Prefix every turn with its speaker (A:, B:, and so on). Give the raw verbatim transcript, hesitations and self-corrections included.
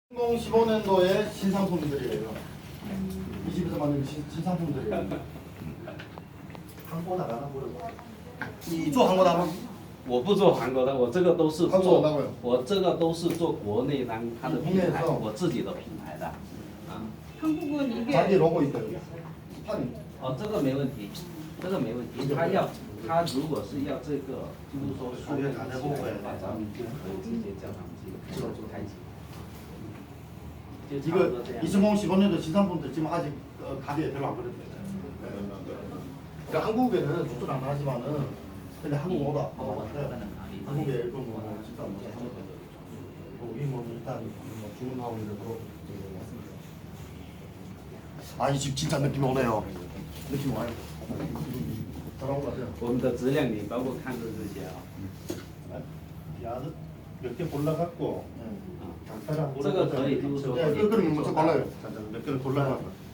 A: 이천십오 년도의 신상품들이에요. 이 집에서 만든 신, 신상품들이에요. 한국 나가나 모르고. 你做韩国的吗？
B: 我不做韩国的，我这个都是
A: 韩国的那个
B: 做，我这个都是做国内当它的品牌，
A: 국내에서
B: 我自己的品牌的。啊，
C: 한국은 이게
A: 자기 로고 있어요. 스파링.
B: 哦，这个没问题，这个没问题。他要，他如果是要这个，就是说数据拿在后面的话，咱们就可以直接叫他们去做做开机。就差不
A: 이거
B: 多这样。
A: 이천십오 년도 신상품들 지금 아직 어, 가게에 별로 안 거래돼요. 그러니까 한국에는 수출 안 하지만은 근데 한국 오다 어, 한국에 일본 뭐 진짜 뭐 거기 뭐 일단 뭐 주문하고 이래서 아 이 집 진짜 느낌이 오네요. 느낌 와요. 잘한 것 같아요.
B: 我们的质量你包括看的这些啊，
D: 야드 몇 개 골라갖고
A: 네.
D: 간단한
B: 这个可以就是说
A: 네, 그 그럼 먼저 골라요.
D: 몇 개를 골라갖고